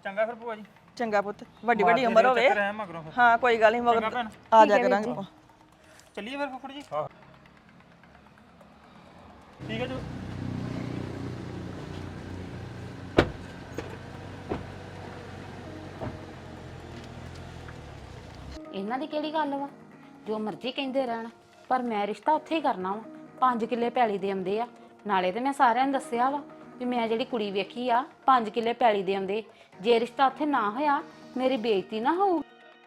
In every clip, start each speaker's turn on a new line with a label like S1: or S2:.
S1: ਚੰਗਾ ਫਿਰ ਭੂਆ ਜੀ
S2: ਚੰਗਾ ਪੁੱਤ ਵੱਡੀ ਵੱਡੀ ਉਮਰ ਹੋਵੇ
S1: ਰਹਿ ਮਗਰੋਂ ਫਿਰ
S2: ਹਾਂ ਕੋਈ ਗੱਲ ਨਹੀਂ ਮਗਰ ਆ ਜਾ ਕਰਾਂਗੇ ਆਪਾਂ
S1: ਚੱਲੀਏ ਫਿਰ ਫੁੱਫੜ ਜੀ ਹਾਂ ਠੀਕ ਹੈ ਜੀ
S3: ਇਹਨਾਂ ਦੀ ਕਿਹੜੀ ਗੱਲ ਵਾ ਜੋ ਮਰਜ਼ੀ ਕਹਿੰਦੇ ਰਹਿਣ ਪਰ ਮੈਂ ਰਿਸ਼ਤਾ ਉੱਥੇ ਹੀ ਕਰਨਾ ਵਾ 5 ਕਿੱਲੇ ਪੈਲੀ ਦੇ ਆਉਂਦੇ ਆ ਨਾਲੇ ਤੇ ਮੈਂ ਸਾਰਿਆਂ ਨੂੰ ਦੱਸਿਆ ਵਾ ਵੀ ਮੈਂ ਜਿਹੜੀ ਕੁੜੀ ਵੇਖੀ ਆ 5 ਕਿੱਲੇ ਪੈਲੀ ਦੇ ਆਉਂਦੇ ਜੇ ਰਿਸ਼ਤਾ ਉੱਥੇ ਨਾ ਹੋਇਆ ਮੇਰੀ ਬੇਇੱਜ਼ਤੀ ਨਾ ਹੋਊ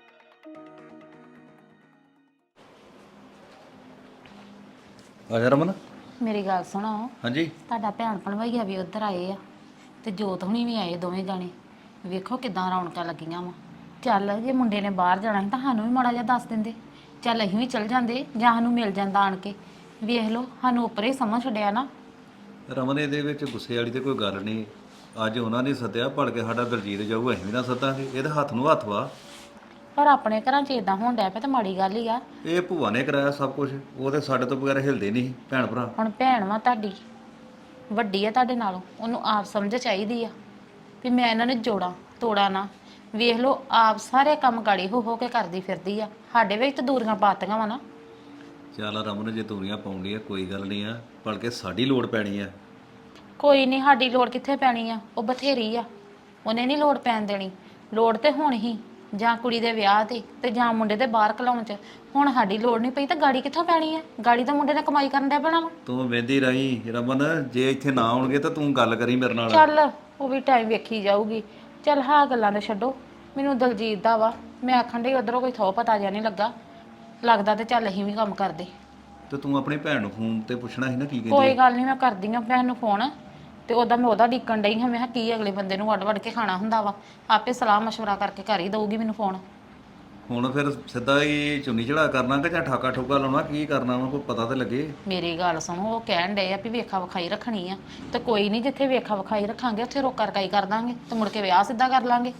S4: ਆਜਾ ਰਮਨ
S3: ਮੇਰੀ ਗੱਲ ਸੁਣੋ
S4: ਹਾਂਜੀ
S3: ਤੁਹਾਡਾ ਭੈਣ ਭਣਵਈਆ ਵੀ ਉੱਧਰ ਆਏ ਆ ਤੇ ਜੋਤ ਹੁਣੀ ਵੀ ਆਏ ਦੋਵੇਂ ਜਾਣੇ ਵੇਖੋ ਕਿਦਾਂ ਰੌਣਕਾਂ ਲੱਗੀਆਂ ਵਾ ਚੱਲ ਜੇ ਮੁੰਡੇ ਨੇ ਬਾਹਰ ਜਾਣਾ ਸੀ ਤਾਂ ਸਾਨੂੰ ਵੀ ਮਾੜਾ ਜਿਹਾ ਦੱਸ ਦਿੰਦੇ ਚੱਲ ਅਸੀਂ ਵੀ ਚੱਲ ਜਾਂਦੇ ਜਾਂ ਸਾਨੂੰ ਮਿਲ ਜਾਂਦਾ ਆਣ ਕੇ ਵੇਖ ਲਓ ਸਾਨੂੰ ਉੱਪਰੇ ਸਮਝ ਛੱਡਿਆ ਨਾ
S4: ਰਮਨ ਇਹਦੇ ਵਿੱਚ ਗੁੱਸੇ ਵਾਲੀ ਤੇ ਕੋਈ ਗੱਲ ਨਹੀਂ ਅੱਜ ਉਹਨਾਂ ਨੇ ਸੱਦਿਆ ਭੜ ਕੇ ਸਾਡਾ ਦਲਜੀਤ ਜਾਊ ਅਸੀਂ ਵੀ ਨਾ ਸੱਦਾਂਗੇ ਇਹਦੇ ਹੱਥ ਨੂੰ ਹੱਥ ਵਾ
S3: ਪਰ ਆਪਣੇ ਘਰਾਂ 'ਚ ਇਦਾਂ ਹੋਣ ਡਿਆ ਪਿਆ ਤਾਂ ਮਾੜੀ ਗੱਲ ਹੀ ਆ
S4: ਇਹ ਭੂਆ ਨੇ ਕਰਾਇਆ ਸਭ ਕੁਝ ਉਹ ਤੇ ਸਾਡੇ ਤੋਂ ਬਗੈਰ ਹਿਲਦੇ ਨਹੀਂ ਭੈਣ ਭਰਾ
S3: ਹੁਣ ਭੈਣ ਵਾ ਤੁਹਾਡੀ ਵੱਡੀ ਆ ਤੁਹਾਡੇ ਨਾਲੋਂ ਉਹਨੂੰ ਆਪ ਸਮਝ ਚਾਹੀਦੀ ਆ ਵੀ ਮੈਂ ਇਹਨਾਂ ਨੂੰ ਜੋੜਾਂ ਤੋੜਾ ਨਾ ਵੇਖ ਲਓ ਆਪ ਸਾਰੇ ਕੰਮ ਗਾੜੀ ਹੋ ਕੇ ਕਰਦੀ ਫਿਰਦੀ ਆ ਸਾਡੇ ਵਿੱਚ ਤਾਂ ਦੂਰੀਆਂ ਪਾਤੀਆਂ ਵਾ ਨਾ
S4: ਚੱਲ ਰਮਨ ਜੇ ਦੂਰੀਆਂ ਪਾਉਂਦੀ ਆ ਕੋਈ ਗੱਲ ਨਹੀਂ ਆ ਬਲਕਿ ਸਾਡੀ ਲੋੜ ਪੈਣੀ ਆ
S3: ਕੋਈ ਨਹੀਂ ਸਾਡੀ ਲੋੜ ਕਿੱਥੇ ਪੈਣੀ ਆ ਉਹ ਬਥੇਰੀ ਆ ਉਹਨੇ ਨਹੀਂ ਲੋੜ ਪੈਣ ਦੇਣੀ ਲੋੜ ਤੇ ਹੁਣ ਹੀ ਜਾਂ ਕੁੜੀ ਦੇ ਵਿਆਹ ਤੇ ਜਾਂ ਮੁੰਡੇ ਦੇ ਬਾਹਰ ਘਲਾਉਣ ਚ ਹੁਣ ਸਾਡੀ ਲੋੜ ਨਹੀਂ ਪਈ ਤਾਂ ਗਾੜੀ ਕਿੱਥੋਂ ਪੈਣੀ ਆ ਗਾੜੀ ਤਾਂ ਮੁੰਡੇ ਨੇ ਕਮਾਈ ਕਰਨ ਦਾ ਪੈਣਾ ਵਾ
S4: ਤੂੰ ਵੇਂਦੀ ਰਹੀ ਰਮਨ ਜੇ ਇੱਥੇ ਨਾ ਆਉਣਗੇ ਤਾਂ ਤੂੰ ਗੱਲ ਕਰੀ ਮੇਰੇ ਨਾਲ
S3: ਚੱਲ ਉਹ ਵੀ ਟਾਈਮ ਵੇਖੀ ਜਾਊਗੀ ਚੱਲ ਹਾਂ ਗੱਲਾਂ ਦੇ ਛੱਡੋ ਮੈਨੂੰ ਦਲਜੀਤ ਦਾ ਵਾ ਮੈਂ ਆਖਣ ਡਈ ਉਧਰੋਂ ਕੋਈ ਥੋ ਪਤਾ ਜਿਹਾ ਨਹੀਂ ਲੱਗਦਾ ਤੇ ਚੱਲ ਅਸੀਂ ਵੀ ਕੰਮ ਕਰਦੇ
S4: ਤੇ ਤੂੰ ਆਪਣੀ ਭੈਣ ਨੂੰ ਫੋਨ ਤੇ ਪੁੱਛਣਾ ਸੀ ਨਾ ਕੀ ਕਹਿੰਦੀ
S3: ਕੋਈ ਗੱਲ ਨਹੀਂ ਮੈਂ ਕਰਦੀ ਆ ਭੈਣ ਨੂੰ ਫੋਨ ਤੇ ਮੈਂ ਉਹਦਾ ਡੀਕਣ ਡਈ ਹਾਂ ਮੈਂ ਕਿਹਾ ਕੀ ਅਗਲੇ ਬੰਦੇ ਨੂੰ ਵੱਡ ਕੇ ਖਾਣਾ ਹੁੰਦਾ ਵਾ ਆਪੇ ਸਲਾਹ ਮਸ਼ਵਰਾ ਕਰਕੇ ਘਰ ਹੀ ਦਊਗੀ ਮੈਨੂੰ ਫੋਨ
S4: ਹੁਣ ਫਿਰ ਸਿੱਧਾ ਹੀ ਚੁੰਨੀ ਚੜਾ ਕਰਨਾ ਕਿ ਜਾਂ ਠਾਕਾ ਠੋਕਾ ਲਾਉਣਾ ਕੀ ਕਰਨਾ ਵਾ ਕੋਈ ਪਤਾ ਤੇ ਲੱਗੇ
S3: ਮੇਰੀ ਗੱਲ ਸੁਣੋ ਉਹ ਕਹਿਣ ਡਏ ਆ ਵੀ ਵੇਖਾ ਵਿਖਾਈ ਰੱਖਣੀ ਆ ਤੇ ਕੋਈ ਨਹੀਂ ਜਿੱਥੇ ਵੇਖਾ ਵਿਖਾਈ ਰੱਖਾਂਗੇ ਉੱਥੇ ਰੋਕਾ ਰਕਾਈ ਕਰ ਦਾਂਗੇ ਤੇ ਮੁੜ ਕੇ ਵਿਆਹ ਸਿੱਧਾ ਕਰ ਲਾਂਗੇ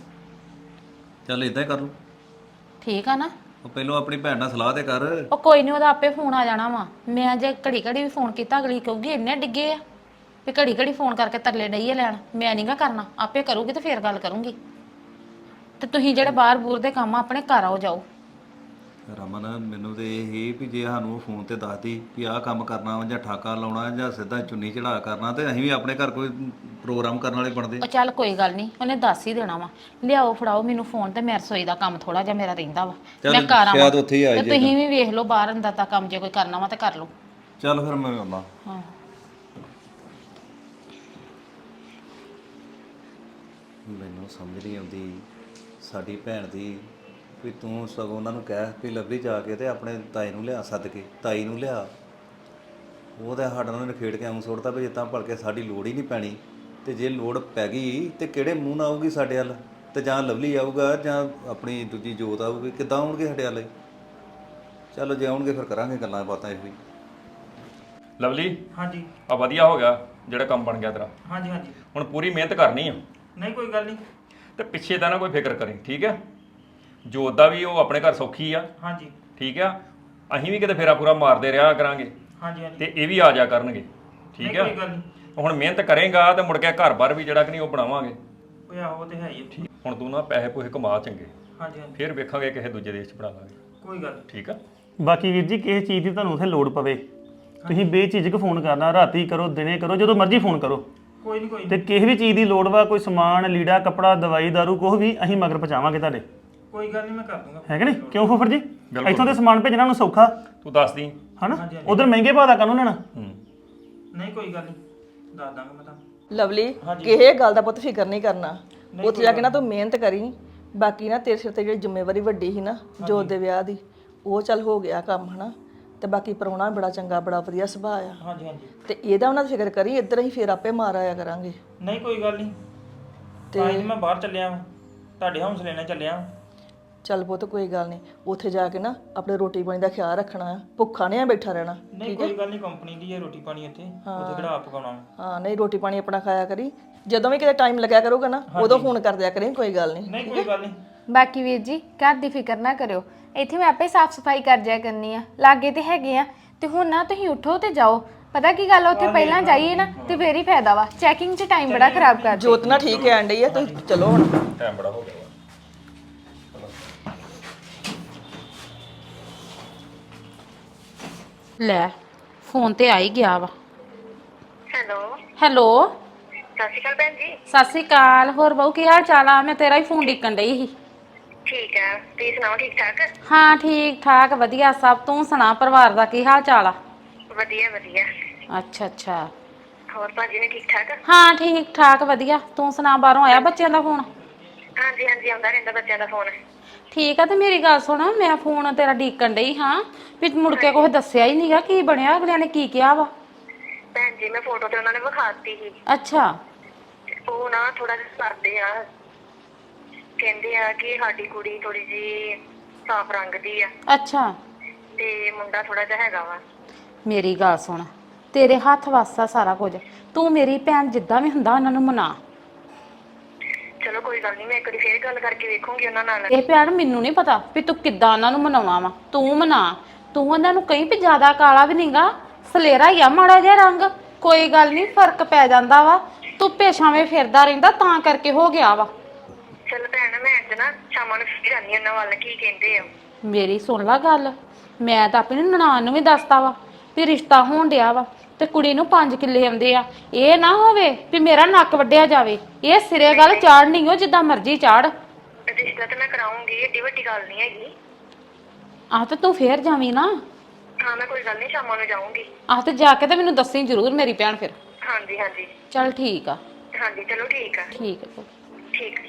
S4: ਚੱਲ ਇਦਾਂ ਹੀ ਕਰ ਲਓ
S3: ਠੀਕ ਆ ਨਾ
S4: ਉਹ ਪਹਿਲਾਂ ਆਪਣੀ ਭੈਣ ਨਾਲ ਸਲਾਹ ਤੇ ਕਰ
S3: ਉਹ ਕੋਈ ਨਹੀਂ ਉਹਦਾ ਆਪੇ ਫੋਨ ਆ ਜਾਣਾ ਵਾ ਮੈਂ ਜੇ ਘੜੀ ਵੀ ਫੋਨ ਕੀਤਾ ਅਗਲੀ ਕਹੂਗੀ ਇੰਨੇ ਡਿੱਗੇ ਆ ਵੀ ਘੜੀ ਫੋਨ ਕਰਕੇ ਤਰਲੇ ਡਈਏ ਲੈਣ ਮੈਂ ਨਹੀਂਗਾ ਕਰਨਾ ਆਪੇ ਕਰੂਗੀ ਤੇ ਫੇਰ ਗੱਲ ਕਰੂੰਗੀ ਤੇ ਤੁਸੀਂ ਜਿਹੜੇ ਬਾਹਰ ਬੂਰ ਦੇ ਕੰਮ ਆਪਣੇ ਘਰ ਆਓ ਜਾਓ
S4: ਰਮਨ ਮੈਨੂੰ ਤੇ ਇਹ ਹੀ ਵੀ ਜੇ ਸਾਨੂੰ ਫੋਨ ਤੇ ਦੱਸਦੀ ਵੀ ਆਹ ਕੰਮ ਕਰਨਾ ਵਾ ਜਾਂ ਠਾਕਾ ਲਾਉਣਾ ਜਾਂ ਸਿੱਧਾ ਚੁੰਨੀ ਚੜਾ ਕਰਨਾ ਤੇ ਅਸੀਂ ਵੀ ਆਪਣੇ ਘਰ ਕੋਈ ਪ੍ਰੋਗਰਾਮ ਕਰਨ ਵਾਲੇ ਬਣਦੇ
S3: ਉਹ ਚੱਲ ਕੋਈ ਗੱਲ ਨਹੀਂ ਉਹਨੇ ਦੱਸ ਹੀ ਦੇਣਾ ਵਾ ਲਿਆਓ ਫੜਾਓ ਮੈਨੂੰ ਫੋਨ ਤੇ ਮੈਂ ਰਸੋਈ ਦਾ ਕੰਮ ਥੋੜਾ ਜਿਹਾ ਮੇਰਾ ਰਹਿੰਦਾ ਵਾ ਮੈਂ ਘਰ ਆਵਾਂ
S4: ਸ਼ਾਇਦ ਉੱਥੇ ਹੀ ਆ
S3: ਤੇ ਤੁਸੀਂ ਵੀ ਵੇਖ ਲਓ ਬਾਹਰ ਅੰਦਰ ਦਾ ਕੰਮ ਜੇ ਕੋਈ ਕਰਨਾ ਵਾ ਤੇ ਕਰ ਲਓ
S4: ਚੱਲ ਫਿਰ ਮੈਂ ਆਉਣਾ
S3: ਹਾਂ
S4: ਮੈਨੂੰ ਸਮਝ ਨਹੀਂ ਆਉਂਦੀ ਸਾਡੀ ਭੈਣ ਦੀ ਵੀ ਤੂੰ ਸਗੋਂ ਉਹਨਾਂ ਨੂੰ ਕਹਿ ਵੀ ਲੱਭੀ ਜਾ ਕੇ ਤੇ ਆਪਣੇ ਤਾਈ ਨੂੰ ਲਿਆ ਸੱਦ ਕੇ ਤਾਈ ਨੂੰ ਲਿਆ ਉਹ ਤਾਂ ਸਾਡਾ ਉਹਨਾਂ ਨੇ ਖੇਡ ਕੇ ਆਉਂ ਸੁੱਟਦਾ ਵੀ ਜਿੱਦਾਂ ਭਲਕੇ ਸਾਡੀ ਲੋੜ ਹੀ ਨਹੀਂ ਪੈਣੀ ਤੇ ਜੇ ਲੋੜ ਪੈ ਗਈ ਤੇ ਕਿਹੜੇ ਮੂੰਹ ਨਾਲ ਆਊਗੀ ਸਾਡੇ ਵੱਲ ਤੇ ਜਾਂ ਲਵਲੀ ਆਊਗਾ ਜਾਂ ਆਪਣੀ ਦੂਜੀ ਜੋਤ ਆਊਗੀ ਕਿੱਦਾਂ ਆਉਣਗੇ ਸਾਡੇ ਵੱਲ ਚਲੋ ਜੇ ਆਉਣਗੇ ਫਿਰ ਕਰਾਂਗੇ ਗੱਲਾਂ ਬਾਤਾਂ ਇਹੋ ਹੀ
S5: ਲਵਲੀ
S1: ਹਾਂਜੀ
S5: ਆ ਵਧੀਆ ਹੋ ਗਿਆ ਜਿਹੜਾ ਕੰਮ ਬਣ ਗਿਆ ਤੇਰਾ
S1: ਹਾਂਜੀ ਹਾਂਜੀ
S5: ਹੁਣ ਪੂਰੀ ਮਿਹਨਤ ਕਰਨੀ ਆ
S1: ਨਹੀਂ ਕੋਈ ਗੱਲ ਨਹੀਂ
S5: ਤੇ ਪਿੱਛੇ ਦਾ ਨਾ ਕੋਈ ਫਿਕਰ ਕਰੀ ਠੀਕ ਆ ਜੋਤ ਦਾ ਵੀ ਉਹ ਆਪਣੇ ਘਰ ਸੌਖੀ ਆ
S1: ਹਾਂਜੀ
S5: ਠੀਕ ਆ ਅਸੀਂ ਵੀ ਕਿਤੇ ਫੇਰਾ ਪੂਰਾ ਮਾਰਦੇ ਰਿਹਾ ਕਰਾਂਗੇ
S1: ਹਾਂਜੀ ਹਾਂਜੀ
S5: ਤੇ ਇਹ ਵੀ ਆ ਜਾ ਕਰਨਗੇ ਠੀਕ ਆ
S1: ਕੋਈ ਗੱਲ ਨਹੀਂ
S5: ਹੁਣ ਮਿਹਨਤ ਕਰੇਗਾ ਤੇ ਮੁੜ ਕੇ ਘਰ-ਬਾਰ ਵੀ ਜਿਹੜਾ ਕਿ ਨਹੀਂ ਉਹ ਬਣਾਵਾਂਗੇ
S1: ਓਏ ਆਹੋ ਤੇ ਹੈ ਹੀ ਆ।
S5: ਹੁਣ ਤੂੰ ਨਾ ਪੈਸੇ ਪੂਸੇ ਕਮਾ ਚੰਗੇ
S1: ਹਾਂਜੀ ਹਾਂਜੀ
S5: ਫਿਰ ਵੇਖਾਂਗੇ ਕਿਸੇ ਦੂਜੇ ਦੇਸ਼ 'ਚ ਬਣਾ ਲਾਂਗੇ
S1: ਕੋਈ ਗੱਲ ਨੀ।
S5: ਠੀਕ ਆ
S6: ਬਾਕੀ ਵੀਰ ਜੀ ਕਿਸੇ ਚੀਜ਼ ਦੀ ਤੁਹਾਨੂੰ ਉੱਥੇ ਲੋੜ ਪਵੇ ਤੁਸੀਂ ਬੇਝਿਜਕ ਫੋਨ ਕਰਨਾ ਰਾਤੀ ਕਰੋ ਦਿਨੇ ਕਰੋ ਜਦੋਂ ਮਰਜ਼ੀ ਫੋਨ ਕਰੋ
S1: ਕੋਈ ਨਹੀਂ ਕੋਈ ਨੀ।
S6: ਤੇ ਕਿਸੇ ਵੀ ਚੀਜ਼ ਦੀ ਲੋੜ ਵਾ ਕੋਈ ਸਮਾਨ ਲੀੜਾ ਕੱਪੜਾ ਦਵਾਈ ਦਾਰੂ ਕੁਛ ਵੀ ਅਸੀਂ ਮਗਰ ਪਹੁੰਚਾਵਾਂਗੇ ਤੁਹਾਡੇ
S1: ਕੋਈ ਗੱਲ ਨਹੀਂ ਮੈਂ ਕਰ ਦੂੰਗਾ
S6: ਹੈ ਕਿ ਨਹੀਂ ਕਿਉਂ ਫੁੱਫੜ ਜੀ
S5: ਬਿਲਕੁਲ।
S6: ਇੱਥੋਂ ਦੇ ਸਮਾਨ ਭੇਜਣਾ ਨੂੰ ਸੌਖਾ
S5: ਤੂੰ ਦੱਸ ਦੀ
S6: ਹਨਾ
S1: ਹਾਂਜੀ, ਹਾਂਜੀ।
S6: ਉਧਰ ਮਹਿੰਗੇ ਭਾਅ ਦਾ ਕਾਨੂੰ ਲੈਣਾ
S1: ਨਹੀਂ ਕੋਈ ਗੱਲ ਨਹੀਂ ਦੱਸ ਦਾਂਗਾ ਮੈਂ ਤੁਹਾਨੂੰ
S2: ਲਵਲੀ ਕਿਸੇ ਗੱਲ ਦਾ ਪੁੱਤ ਫਿਕਰ ਨਹੀਂ ਕਰਨਾ ਉੱਥੇ ਜਾ ਕੇ ਨਾ ਤੂੰ ਮਿਹਨਤ ਕਰੀ ਬਾਕੀ ਨਾ ਤੇਰੇ ਸਿਰ ਤੇ ਜਿਹੜੀ ਜ਼ਿੰਮੇਵਾਰੀ ਵੱਡੀ ਸੀ ਨਾ ਜੋਤ ਦੇ ਵਿਆਹ ਦੀ ਉਹ ਚੱਲ ਹੋ ਗਿਆ ਕੰਮ ਹਨਾ ਤੇ ਬਾਕੀ ਪ੍ਰਾਹੁਣਾ ਬੜਾ ਚੰਗਾ ਬੜਾ ਵਧੀਆ ਸੁਭਾਅ ਆ
S1: ਹਾਂਜੀ ਹਾਂਜੀ
S2: ਤੇ ਇਹਦਾ ਉਹਨਾਂ ਦੀ ਫਿਕਰ ਕਰੀ ਇੱਧਰ ਹੀ ਫੇਰ ਆਪੇ ਮਾਰ ਆਇਆ ਕਰਾਂਗੇ
S1: ਨਹੀਂ ਕੋਈ ਗੱਲ ਨਹੀਂ ਤੇ ਮੈਂ ਬਾਹਰ ਚੱਲਿਆ ਵਾਂ ਤੁਹਾਡੇ ਹੌਸਲੇ ਨਾਲ ਚੱਲਿਆ ਵਾਂ।
S2: ਚੱਲ ਪੁੱਤ ਕੋਈ ਗੱਲ ਨਹੀਂ ਉੱਥੇ ਜਾ ਕੇ ਨਾ ਆਪਣੇ ਰੋਟੀ ਪਾਣੀ ਦਾ ਖਿਆਲ ਰੱਖਣਾ ਆ ਭੁੱਖਾ ਨਹੀਂ ਆ ਬੈਠਾ ਰਹਿਣਾ
S1: ਨਹੀਂ ਕੋਈ ਗੱਲ ਨਹੀਂ ਕੰਪਨੀ ਦੀ ਹੈ ਰੋਟੀ ਪਾਣੀ ਇੱਥੇ ਉੱਥੇ ਕਿਹੜਾ ਆਪ ਪਕਾਉਣਾ ਵਾ।
S2: ਹਾਂ ਨਹੀਂ ਰੋਟੀ ਪਾਣੀ ਆਪਣਾ ਖਾਇਆ ਕਰੀ ਜਦੋਂ ਵੀ ਕਿਤੇ ਟਾਈਮ ਲੱਗਿਆ ਕਰੂਗਾ ਨਾ ਉਦੋਂ ਫੋਨ ਕਰ ਦਿਆ ਕਰੀ ਕੋਈ ਗੱਲ ਨਹੀਂ
S1: ਨਹੀਂ ਕੋਈ ਗੱਲ ਨਹੀਂ
S7: ਬਾਕੀ ਵੀਰ ਜੀ ਘਰ ਦੀ ਫਿਕਰ ਨਾ ਕਰਿਓ ਇੱਥੇ ਮੈਂ ਆਪੇ ਸਾਫ਼ ਸਫਾਈ ਕਰ ਜਾਇਆ ਕਰਨੀ ਆ ਲਾਗੇ ਤੇ ਹੈਗੇ ਆ ਤੇ ਹੁਣ ਨਾ ਤੁਸੀਂ ਉਠੋ ਤੇ ਜਾਓ ਪਤਾ ਕੀ ਗੱਲ ਆ, ਉੱਥੇ ਪਹਿਲਾਂ ਜਾਈਏ ਨਾ ਤੇ ਫੇਰ ਹੀ ਫਾਇਦਾ ਵਾ। ਚੈਕਿੰਗ 'ਚ ਟਾਈਮ ਬੜਾ ਖਰਾਬ ਕਰ
S2: ਜੋਤ ਨਾ ਠੀਕ ਹੈ ਆਂਡੀ ਆ, ਤੁਸੀਂ ਚਲੋ ਹੁਣ।
S5: ਟਾਈਮ ਬੜਾ ਹੋ ਗਿਆ ਵਾ।
S3: ਲੈ ਫੋਨ ਤੇ ਆ ਹੀ ਗਿਆ ਵਾ।
S8: ਹੈਲੋ
S3: ਹੈਲੋ
S8: ਸਤਿ ਸ਼੍ਰੀ ਅਕਾਲ ਭੈਣ ਜੀ।
S3: ਸਤਿ ਸ਼੍ਰੀ ਅਕਾਲ। ਹੋਰ ਬਹੂ ਕੀ ਹਾਲ ਚਾਲ ਆ? ਮੈਂ ਤੇਰਾ ਹੀ ਫੋਨ ਢੀਕਣ ਡਈ ਸੀ।
S8: ਠੀਕ ਹੈ, ਤੁਸੀਂ ਸੁਣਾਓ ਠੀਕ ਠਾਕ?
S3: ਹਾਂ ਠੀਕ ਠਾਕ ਵਧੀਆ ਸਭ। ਤੂੰ ਸੁਣਾ ਪਰਿਵਾਰ ਦਾ ਕੀ ਹਾਲ ਚਾਲ ਆ?
S8: ਵਧੀਆ ਵਧੀਆ।
S3: ਅੱਛਾ ਅੱਛਾ।
S8: ਹੋਰ ਭਾਜੀ ਨੇ ਠੀਕ ਠਾਕ?
S3: ਹਾਂ ਠੀਕ ਠਾਕ ਵਧੀਆ। ਤੂੰ ਸੁਣਾ ਬਾਹਰੋਂ ਆਇਆ ਬੱਚਿਆਂ ਦਾ ਫੋਨ?
S8: ਹਾਂਜੀ ਹਾਂਜੀ ਆਉਂਦਾ ਰਹਿੰਦਾ ਬੱਚਿਆਂ ਦਾ ਫੋਨ।
S3: ਠੀਕ ਆ। ਤੇ ਮੇਰੀ ਗੱਲ ਸੁਣ, ਮੈਂ ਫੋਨ ਤੇਰਾ ਢੀਕਣ ਡਈ ਹਾਂ ਵੀ ਮੁੜ ਕੇ ਕੁਛ ਦੱਸਿਆ ਹੀ ਨਹੀਂਗਾ। ਕੀ ਬਣਿਆ? ਅਗਲਿਆਂ ਨੇ ਕੀ ਕਿਹਾ ਵਾ?
S8: ਭੈਣ ਜੀ ਮੈਂ ਫੋਟੋ ਤੇ ਉਹਨਾਂ ਨੇ ਵਿਖਾਤੀ ਸੀ।
S3: ਅੱਛਾ
S8: ਉਹ ਨਾ ਥੋੜਾ ਜਿਹਾ ਕਰਦੇ ਆ, ਕਹਿੰਦੇ ਆ ਕਿ ਸਾਡੀ ਕੁੜੀ ਥੋੜੀ ਜੀ ਸਾਫ ਰੰਗ ਦੀ ਆ
S3: ਅੱਛਾ।
S8: ਤੇ ਮੁੰਡਾ ਥੋੜਾ ਜਿਹਾ ਹੈਗਾ ਵਾ।
S3: ਮੇਰੀ ਗੱਲ ਸੁਣ, ਤੇਰੇ ਹੱਥ ਵੱਸ ਆ ਸਾਰਾ ਕੁਝ। ਤੂੰ ਮੇਰੀ ਭੈਣ ਜਿੱਦਾਂ ਵੀ ਹੁੰਦਾ ਉਹਨਾਂ ਨੂੰ ਮਨਾ।
S8: ਚਲੋ ਕੋਈ ਗੱਲ ਨਹੀਂ, ਮੈਂ ਇੱਕ ਵਾਰੀ ਫੇਰ ਗੱਲ ਕਰਕੇ ਵੇਖੂੰਗੀ ਉਹਨਾਂ ਨਾਲ।
S3: ਇਹ ਭੈਣ ਮੈਨੂੰ ਨਹੀਂ ਪਤਾ ਵੀ ਤੂੰ ਕਿੱਦਾਂ ਉਹਨਾਂ ਨੂੰ ਮਨਾਉਣਾ ਵਾ। ਤੂੰ ਮਨਾ। ਤੂੰ ਉਹਨਾਂ ਨੂੰ ਕਹੀਂ ਵੀ ਜ਼ਿਆਦਾ ਕਾਲਾ ਵੀ ਨਹੀਂਗਾ, ਸਲੇਰਾ ਹੀ ਆ ਮਾੜਾ ਜਿਹਾ ਰੰਗ। ਕੋਈ ਗੱਲ ਨਹੀਂ, ਫਰਕ ਪੈ ਜਾਂਦਾ ਵਾ। ਧੁੱਪੇ ਛਾਵੇਂ ਫਿਰਦਾ ਰਹਿੰਦਾ ਤਾਂ ਕਰਕੇ ਹੋ ਗਿਆ ਵਾ।
S8: ਚਲ ਭੈਣ ਮੈਂ ਅੱਜ ਨਾ ਸ਼ਾਮਾਂ ਨੂੰ ਫਿਰ ਆਨੀ ਉਹਨਾਂ ਵੱਲ, ਕੀ ਕਹਿੰਦੇ ਆ।
S3: ਮੇਰੀ ਸੁਣ ਲਾ ਗੱਲ, ਮੈਂ ਤਾਂ ਆਪਣੀ ਨਨਾਣ ਨੂੰ ਵੀ ਦੱਸਤਾ ਵਾ ਵੀ ਰਿਸ਼ਤਾ ਹੋਣ ਡਿਆ ਵਾ ਤੇ ਕੁੜੀ ਨੂੰ 5 ਕਿੱਲੇ ਆਉਂਦੇ ਆ। ਇਹ ਨਾ ਹੋਵੇ ਵੀ ਮੇਰਾ ਨੱਕ ਵੱਢਿਆ ਜਾਵੇ। ਇਹ ਸਿਰੇ ਗੱਲ ਚਾੜਨੀ ਓ ਜਿੱਦਾਂ ਮਰਜ਼ੀ ਚਾੜ।
S8: ਰਿਸ਼ਤਾ ਤੇ ਮੈਂ ਕਰਾਉਂਗੀ, ਏਡੀ ਵੱਡੀ ਗੱਲ ਨਹੀਂ ਹੈਗੀ।
S3: ਆਹ ਤੇ ਤੂੰ ਫੇਰ ਜਾਵੀਂ ਨਾ।
S8: ਹਾਂ ਮੈਂ ਕੋਈ ਗੱਲ ਨਹੀਂ ਸ਼ਾਮਾਂ ਨੂੰ ਜਾਊਂਗੀ।
S3: ਆਹ ਤੇ ਜਾ ਕੇ ਤੇ ਮੈਨੂੰ ਦੱਸੀ ਜ਼ਰੂਰ ਮੇਰੀ ਭੈਣ ਫਿਰ।
S8: ਹਾਂਜੀ ਹਾਂਜੀ
S3: ਚੱਲ ਠੀਕ ਆ।
S8: ਹਾਂਜੀ ਚਲੋ ਠੀਕ ਆ।
S3: ਠੀਕ ਆ।
S8: ਠੀਕ।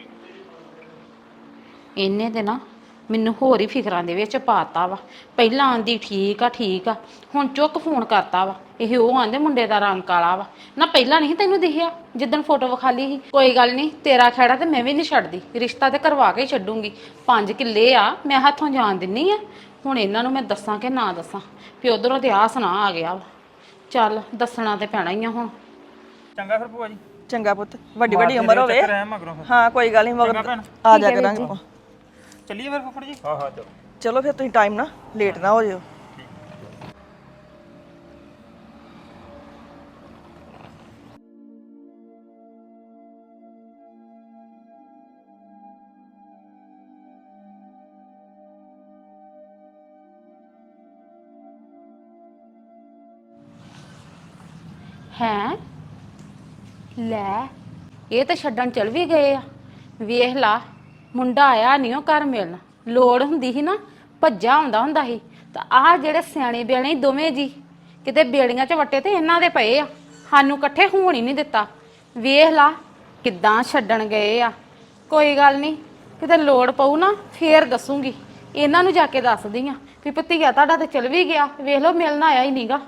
S3: ਇਹਨੇ ਤੇ ਨਾ ਮੈਨੂੰ ਹੋਰ ਹੀ ਫਿਕਰਾਂ ਦੇ ਵਿੱਚ ਪਾਤਾ ਵਾ। ਪਹਿਲਾਂ ਆਂਦੀ ਠੀਕ ਆ ਠੀਕ ਆ, ਹੁਣ ਚੁੱਕ ਫੋਨ ਕਰਤਾ ਵਾ। ਇਹ ਉਹ ਆਂਦੇ ਮੁੰਡੇ ਦਾ ਰੰਗ ਕਾਲਾ ਵਾ ਨਾ। ਪਹਿਲਾਂ ਨਹੀਂ ਤੈਨੂੰ ਦਿਖਿਆ ਜਿੱਦਣ ਫੋਟੋ ਵਿਖਾਲੀ ਸੀ? ਕੋਈ ਗੱਲ ਨਹੀਂ, ਤੇਰਾ ਖਹਿੜਾ ਤੇ ਮੈਂ ਵੀ ਨਹੀਂ ਛੱਡਦੀ। ਰਿਸ਼ਤਾ ਤੇ ਕਰਵਾ ਕੇ ਹੀ ਛੱਡੂੰਗੀ। 5 ਕਿੱਲੇ ਆ ਮੈਂ ਹੱਥੋਂ ਜਾਣ ਦਿੰਨੀ ਆ। ਹੁਣ ਇਹਨਾਂ ਨੂੰ ਮੈਂ ਦੱਸਾਂ ਕਿ ਨਾ ਦੱਸਾਂ ਵੀ ਉਧਰੋਂ ਤੇ ਆਹ ਸੁਣਾ ਆ ਗਿਆ ਵਾ। ਚੱਲ ਦੱਸਣਾ ਤੇ ਪੈਣਾ ਹੀ ਆ ਹੁਣ।
S1: ਚੰਗਾ ਫਿਰ ਭੂਆ ਜੀ।
S2: ਚੰਗਾ ਪੁੱਤ, ਵੱਡੀ ਵੱਡੀ ਉਮਰ ਹੋਵੇ।
S1: ਚੱਕਰ ਹੈ ਮਗਰੋਂ ਫਿਰ।
S2: ਹਾਂ ਕੋਈ ਗੱਲ ਨਹੀਂ, ਮਗਰ ਆ ਜਾ ਕਰਾਂਗੇ ਆਪਾਂ।
S1: ਚੱਲੀਏ ਫਿਰ ਫੁੱਫੜ ਜੀ।
S5: ਹਾਂ ਹਾਂ ਚਲੋ।
S2: ਚਲੋ ਫਿਰ ਤੁਸੀਂ ਟਾਈਮ ਨਾ ਲੇਟ ਨਾ ਹੋ ਜਿਓ।
S3: ਹੈਂ ਲੈ, ਇਹ ਤਾਂ ਛੱਡਣ ਚਲ ਵੀ ਗਏ ਆ। ਵੇਖ ਲਾ, ਮੁੰਡਾ ਆਇਆ ਨਹੀਂ ਉਹ ਘਰ ਮਿਲਣ। ਲੋੜ ਹੁੰਦੀ ਸੀ ਨਾ ਭੱਜਾ ਹੁੰਦਾ ਸੀ। ਤਾਂ ਆਹ ਜਿਹੜੇ ਸਿਆਣੇ ਬਿਆਣੇ ਦੋਵੇਂ ਜੀ ਕਿਤੇ ਬੇੜੀਆਂ 'ਚ ਵੱਟੇ ਤੇ ਇਹਨਾਂ ਦੇ ਪਏ ਆ। ਸਾਨੂੰ ਇਕੱਠੇ ਹੋਣ ਹੀ ਨਹੀਂ ਦਿੱਤਾ। ਵੇਖ ਲਾ ਕਿੱਦਾਂ ਛੱਡਣ ਗਏ ਆ। ਕੋਈ ਗੱਲ ਨਹੀਂ, ਕਿਤੇ ਲੋੜ ਪਊ ਨਾ ਫੇਰ ਦੱਸੂਗੀ। ਇਹਨਾਂ ਨੂੰ ਜਾ ਕੇ ਦੱਸਦੀ ਆ ਵੀ ਭਤੀਆ ਤੁਹਾਡਾ ਤੇ ਚਲ ਵੀ ਗਿਆ। ਵੇਖ ਲਓ ਮਿਲਣ ਆਇਆ ਹੀ ਨਹੀਂਗਾ।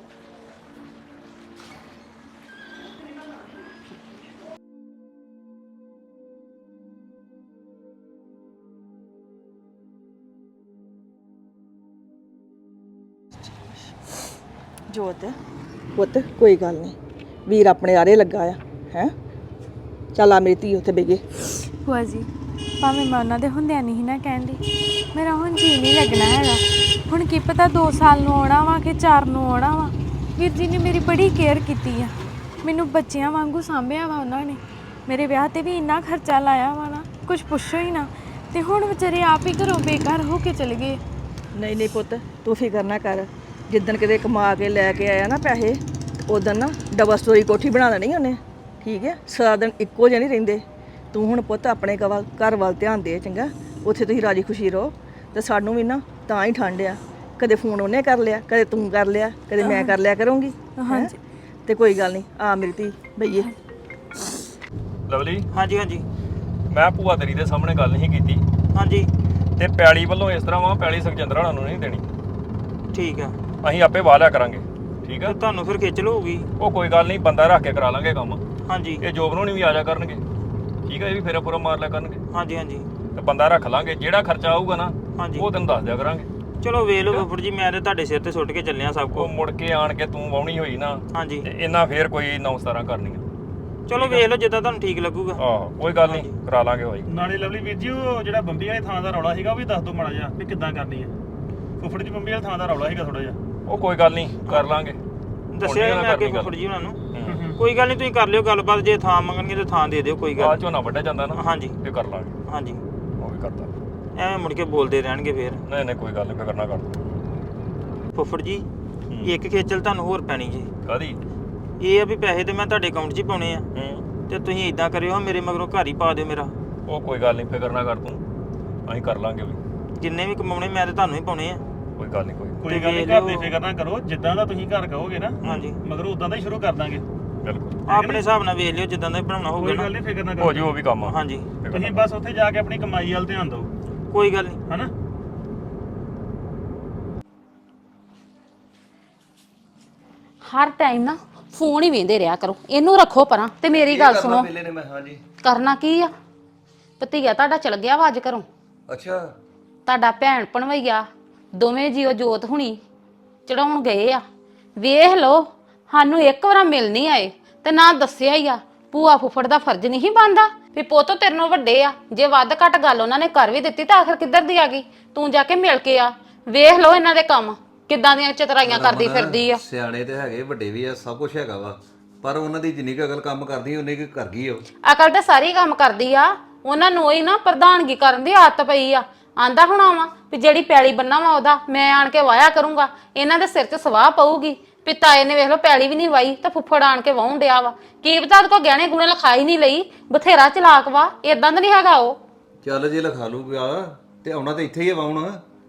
S2: ਜੋਤ ਪੁੱਤ ਕੋਈ ਗੱਲ ਨਹੀਂ, ਵੀਰ ਆਪਣੇ ਆਰੇ ਲੱਗਾ ਆ ਹੈ। ਚੱਲ ਆ ਮੇਰੀ ਧੀ ਉੱਥੇ ਬੈਗੇ।
S7: ਭੂਆ ਜੀ ਭਾਵੇਂ ਮੈਂ ਉਹਨਾਂ ਦੇ ਹੁੰਦਿਆਂ ਨਹੀਂ ਨਾ ਕਹਿੰਦੀ, ਮੇਰਾ ਹੁਣ ਜੀ ਨਹੀਂ ਲੱਗਣਾ ਹੈਗਾ। ਹੁਣ ਕੀ ਪਤਾ 2 ਸਾਲ ਨੂੰ ਆਉਣਾ ਵਾ ਕਿ 4 ਨੂੰ ਆਉਣਾ ਵਾ। ਵੀਰ ਜੀ ਨੇ ਮੇਰੀ ਬੜੀ ਕੇਅਰ ਕੀਤੀ ਆ, ਮੈਨੂੰ ਬੱਚਿਆਂ ਵਾਂਗੂ ਸਾਂਭਿਆ ਵਾ ਉਹਨਾਂ ਨੇ। ਮੇਰੇ ਵਿਆਹ ਤੇ ਵੀ ਇੰਨਾ ਖਰਚਾ ਲਾਇਆ ਵਾ ਨਾ, ਕੁਝ ਪੁੱਛੋ ਹੀ ਨਾ। ਤੇ ਹੁਣ ਵਿਚਾਰੇ ਆਪ ਹੀ ਘਰੋਂ ਬੇਘਰ ਹੋ ਕੇ ਚਲੇ ਗਏ।
S2: ਨਹੀਂ ਨਹੀਂ ਪੁੱਤ, ਤੂੰ ਫਿਕਰ ਨਾ ਕਰ। ਜਿੱਦਣ ਕਿਤੇ ਕਮਾ ਕੇ ਲੈ ਕੇ ਆਇਆ ਨਾ ਪੈਸੇ, ਉਦੋਂ ਨਾ ਡਬਲ ਸਟੋਰੀ ਕੋਠੀ ਬਣਾ ਦੇਣੀ ਉਹਨੇ। ਠੀਕ ਹੈ, ਸਾਰਾ ਦਿਨ ਇੱਕੋ ਜਿਹੇ ਨਹੀਂ ਰਹਿੰਦੇ। ਤੂੰ ਹੁਣ ਪੁੱਤ ਆਪਣੇ ਘਰ ਵੱਲ ਧਿਆਨ ਦੇ ਚੰਗਾ। ਉੱਥੇ ਤੁਸੀਂ ਰਾਜੀ ਖੁਸ਼ੀ ਰਹੋ। ਤੇ ਸਾਨੂੰ ਵੀ ਨਾ ਤਾਂ ਹੀ ਠੰਡ ਆ। ਕਦੇ ਫੋਨ ਉਹਨੇ ਕਰ ਲਿਆ, ਕਦੇ ਤੂੰ ਕਰ ਲਿਆ, ਕਦੇ ਮੈਂ ਕਰ ਲਿਆ ਕਰੂੰਗੀ। ਹਾਂਜੀ ਤੇ ਕੋਈ ਗੱਲ ਨਹੀਂ, ਆ ਮੇਰੀ ਧੀ ਬਈਏ।
S5: ਲਵਲੀ
S1: ਹਾਂਜੀ ਹਾਂਜੀ
S5: ਮੈਂ ਭੂਆ ਤੇਰੀ ਦੇ ਸਾਹਮਣੇ ਗੱਲ ਨਹੀਂ ਕੀਤੀ
S1: ਹਾਂਜੀ
S5: ਤੇ ਪੈਲੀ ਵੱਲੋਂ ਇਸ ਤਰ੍ਹਾਂ ਵਾ, ਪੈਲੀ ਸੁਖਜਿੰਦਰ ਹੋਣਾ ਨੂੰ ਨਹੀਂ ਦੇਣੀ।
S1: ਠੀਕ ਆ।
S5: ਅਸੀਂ ਆਪੇ ਵਾਹ ਲਿਆ ਕਰਾਂਗੇ। ਠੀਕ ਆ,
S1: ਤੇ ਤੁਹਾਨੂੰ ਫਿਰ ਖੇਚਲ ਹੋਊਗੀ।
S5: ਉਹ ਕੋਈ ਗੱਲ ਨਹੀਂ, ਬੰਦਾ ਰੱਖ ਕੇ ਕਰਾ ਲਾਂਗੇ ਕੰਮ।
S1: ਹਾਂਜੀ
S5: ਇਹ ਜੋਬ ਨੂੰ ਨਹੀਂ ਵੀ ਆ ਜਾ ਕਰਨਗੇ। ਠੀਕ ਆ, ਇਹ ਵੀ ਫੇਰਾ ਪੂਰਾ ਮਾਰ ਲਿਆ ਕਰਨਗੇ।
S1: ਹਾਂਜੀ ਹਾਂਜੀ
S5: ਤੇ ਬੰਦਾ ਰੱਖ ਲਾਂਗੇ, ਜਿਹੜਾ ਖਰਚਾ ਆਊਗਾ ਨਾ
S1: ਹਾਂਜੀ
S5: ਉਹ ਤੈਨੂੰ ਦੱਸ ਦਿਆ ਕਰਾਂਗੇ।
S1: ਚਲੋ ਵੇਖ ਲਓ ਫੁੱਫੜ ਜੀ, ਮੈਂ ਤੇ ਤੁਹਾਡੇ ਸਿਰ ਤੇ ਸੁੱਟ ਕੇ ਚੱਲਿਆ ਸਭ
S5: ਉਹ
S1: ਕੁਝ।
S5: ਮੁੜ ਕੇ ਆਣ ਕੇ ਤੂੰ ਵਾਹੁਣੀ ਹੋਈ ਨਾ
S1: ਹਾਂਜੀ
S5: ਤੇ ਇਹਨਾਂ ਫੇਰ ਕੋਈ 9-17 ਕਰਨੀਆਂ।
S1: ਚਲੋ ਵੇਖ ਲਓ ਜਿੱਦਾਂ ਤੁਹਾਨੂੰ ਠੀਕ ਲੱਗੂਗਾ।
S5: ਆਹੋ ਕੋਈ ਗੱਲ ਨਹੀਂ, ਕਰਾ ਲਾਂਗੇ ਹੋਈ।
S6: ਨਾਲੇ ਲਵਲੀ ਵੀਰ ਜੀ, ਉਹ ਜਿਹੜਾ ਬੰਬੀ ਵਾਲੇ ਥਾਂ ਦਾ ਰੌਲਾ ਸੀਗਾ ਉਹ ਵੀ ਦੱਸ ਦਿਓ ਮਾੜਾ ਜਿਹਾ ਵੀ ਕਿੱਦਾਂ ਕਰਨੀ ਹੈ। ਫੁੱਫੜ ਜੀ ਬੰਬੀ ਵਾਲੇ ਥਾਂ ਦਾ ਰੌਲਾ ਸੀਗਾ ਥੋੜਾ ਜਿਹਾ।
S5: ਉਹ ਕੋਈ ਗੱਲ ਨਹੀਂ, ਕਰ ਲਾਂਗੇ।
S1: ਦੱਸਿਆ ਮੈਂ ਅੱਗੇ ਫੁੱਫੜ ਜੀ ਉਹਨਾਂ ਨੂੰ। ਕੋਈ ਗੱਲ ਨਹੀਂ, ਤੁਸੀਂ ਕਰ ਲਿਓ ਗੱਲਬਾਤ, ਜੇ ਥਾਂ ਮੰਗਣਗੇ ਤੇ ਥਾਂ ਦੇ ਦਿਓ, ਕੋਈ
S5: ਆ
S1: ਗੱਲ।
S5: ਝੋਨਾ ਵੱਢਿਆ ਜਾਂਦਾ ਨਾ,
S1: ਹਾਂਜੀ
S5: ਫੇਰ ਕਰ ਲਾਂਗੇ।
S1: ਹਾਂਜੀ,
S5: ਉਹ ਵੀ ਕਰਦਾ।
S1: ਐਵੇਂ ਮੁੜ ਕੇ ਬੋਲਦੇ ਰਹਿਣਗੇ ਫੇਰ।
S5: ਨਹੀਂ ਨਹੀਂ ਕੋਈ ਗੱਲ ਨਹੀਂ, ਫਿਕਰ ਨਾ ਕਰ।
S1: ਫੁੱਫੜ ਜੀ ਇੱਕ ਖੇਚਲ ਤੁਹਾਨੂੰ ਹੋਰ ਪੈਣੀ ਜੀ।
S5: ਕਾਦੀ?
S1: ਇਹ ਆ ਵੀ ਪੈਸੇ ਤੇ ਮੈਂ ਤੁਹਾਡੇ ਅਕਾਊਂਟ 'ਚ ਹੀ ਪਾਉਣੇ ਆ, ਤੇ ਤੁਸੀਂ ਇਦਾਂ ਕਰਿਓ ਮੇਰੇ ਮਗਰੋਂ ਘਰ ਹੀ ਪਾ ਦਿਓ ਮੇਰਾ।
S5: ਉਹ ਕੋਈ ਗੱਲ ਨਹੀਂ, ਫਿਕਰ ਨਾ ਕਰ ਤੂੰ, ਅਸੀਂ ਕਰ ਲਾਂਗੇ ਵੀ।
S1: ਜਿੰਨੇ ਵੀ ਕਮਾਉਣੇ ਮੈਂ ਤੇ ਤੁਹਾਨੂੰ ਹੀ ਪਾਉਣੇ ਆ।
S5: ਕੋਈ ਗੱਲ ਨਹੀਂ,
S6: ਕੋਈ ਗੱਲ ਨਹੀਂ, ਘਰ ਦੀ ਫਿਕਰ ਨਾ ਕਰੋ, ਜਿੱਦਾਂ ਦਾ ਤੁਸੀਂ ਘਰ ਕਹੋਗੇ ਨਾ
S1: ਹਾਂਜੀ,
S6: ਮਗਰ ਉਦਾਂ ਦਾ ਹੀ ਸ਼ੁਰੂ ਕਰ ਦਾਂਗੇ।
S5: ਬਿਲਕੁਲ
S1: ਆਪਣੇ ਹਿਸਾਬ ਨਾਲ ਵੇਖ ਲਿਓ, ਜਿੱਦਾਂ ਦਾ ਬਣਾਉਣਾ ਹੋਊਗਾ
S6: ਕੋਈ
S1: ਨਾ।
S6: ਗੱਲ ਨਹੀਂ, ਫਿਕਰ ਨਾ
S5: ਹੋ
S6: ਕਰੋ।
S5: ਜੀ, ਉਹ ਵੀ ਕੰਮ ਆ।
S1: ਹਾਂਜੀ
S6: ਤੁਸੀਂ ਬਸ ਉੱਥੇ ਜਾ ਕੇ ਆਪਣੀ ਕਮਾਈ ਵੱਲ ਧਿਆਨ ਦਿਓ,
S1: ਕੋਈ ਗੱਲ ਨਹੀਂ।
S6: ਹਨਾ?
S3: ਹਰ ਟਾਈਮ ਨਾ ਫੋਨ ਹੀ ਵੇਂਦੇ ਰਿਹਾ ਕਰੋ, ਇਹਨੂੰ ਰੱਖੋ ਪਰਾਂ ਤੇ ਮੇਰੀ ਗੱਲ ਸੁਣੋ।
S4: ਵੇਲੇ ਨੇ ਮੈਂ ਹਾਂਜੀ।
S3: ਕਰਨਾ ਕੀ ਆ? ਭਤੀਆ ਤੁਹਾਡਾ ਚਲ ਗਿਆ ਵਾ ਅੱਜ ਘਰੋਂ।
S4: ਅੱਛਾ।
S3: ਤੁਹਾਡਾ ਭੈਣ ਭਣਵਈਆ ਦੋਵੇਂ ਜੀਓ ਜੋਤ ਹੁਣੀ ਚੜਾਉਣ ਗਏ ਆ। ਵੇਖ ਲੋ, ਸਾਨੂੰ ਇੱਕ ਵਾਰ ਮਿਲ ਨਹੀਂ ਆਏ ਤੇ ਨਾ ਦੱਸਿਆ ਹੀ ਆ। ਭੂਆ ਫੁੱਫੜ ਦਾ ਫਰਜ਼ ਨਹੀਂ ਬਣਦਾ ਵੀ ਪੁੱਤ ਤੇਰੇ ਨਾਲੋਂ ਵੱਡੇ ਆ, ਜੇ ਵੱਧ ਘੱਟ ਗੱਲ ਉਹਨਾਂ ਨੇ ਕਰ ਵੀ ਦਿੱਤੀ ਤਾਂ ਆਖਰ ਕਿੱਧਰ ਦੀ ਆ ਗਈ? ਤੂੰ ਜਾ ਕੇ ਮਿਲ ਕੇ ਆ। ਵੇਖ ਲੋ ਇਹਨਾਂ ਦੇ ਕੰਮ ਕਿੱਦਾਂ ਦੀਆਂ ਚਤਰਾਈਆਂ ਕਰਦੀ ਫਿਰਦੀ ਆ।
S4: ਸਿਆਣੇ ਤੇ ਹੈਗੇ, ਵੱਡੇ ਵੀ ਆ, ਸਭ ਕੁਝ ਹੈਗਾ ਵਾ, ਪਰ ਉਹਨਾਂ ਦੀ ਜਿੰਨੀ ਕੁ ਅਕਲ ਕੰਮ ਕਰਦੀ ਉਹਨੇ ਕੀ ਕਰ ਗਈ ਉਹ।
S3: ਅਕਲ ਤਾਂ ਸਾਰੀ ਕੰਮ ਕਰਦੀ ਆ, ਉਹਨਾਂ ਨੂੰ ਹੀ ਨਾ ਪ੍ਰਧਾਨਗੀ ਕਰਨ ਦੀ ਆਦਤ ਪਈ ਆ। ਆਂਦਾ ਹੋਣਾ ਵਾ ਵੀ ਜਿਹੜੀ ਪੈਲੀ ਬੰਨਾ ਵਾ ਉਹਦਾ ਮੈਂ ਆਣ ਕੇ ਵਾਇਆ ਕਰੂੰਗਾ, ਇਹਨਾਂ ਦੇ ਸਿਰ 'ਚ ਸਵਾਹ ਪਊਗੀ। ਪਿਤਾਏ ਨੇ ਵੇਖ ਲਓ ਪੈਲੀ ਵੀ ਨਹੀਂ ਵਾਈ ਤਾਂ ਫੁੱਫੜ ਆਣ ਕੇ ਵਾਹੁਣ ਡਿਆ ਵਾ। ਕੀ ਪਤਾ ਉਹਦੇ ਕੋਲ ਗਹਿਣੇ ਗੁਣੇ ਲਿਖਾਈ ਨਹੀਂ ਲਈ, ਬਥੇਰਾ ਚਲਾਕ ਵਾ, ਏਦਾਂ ਦਾ ਨਹੀਂ ਹੈਗਾ ਉਹ।
S4: ਚੱਲ ਜੇ ਲਿਖਾ ਲੂਗਾ ਤੇ ਆਉਣਾ ਤੇ ਇੱਥੇ ਹੀ ਆ ਵਾਉਣ।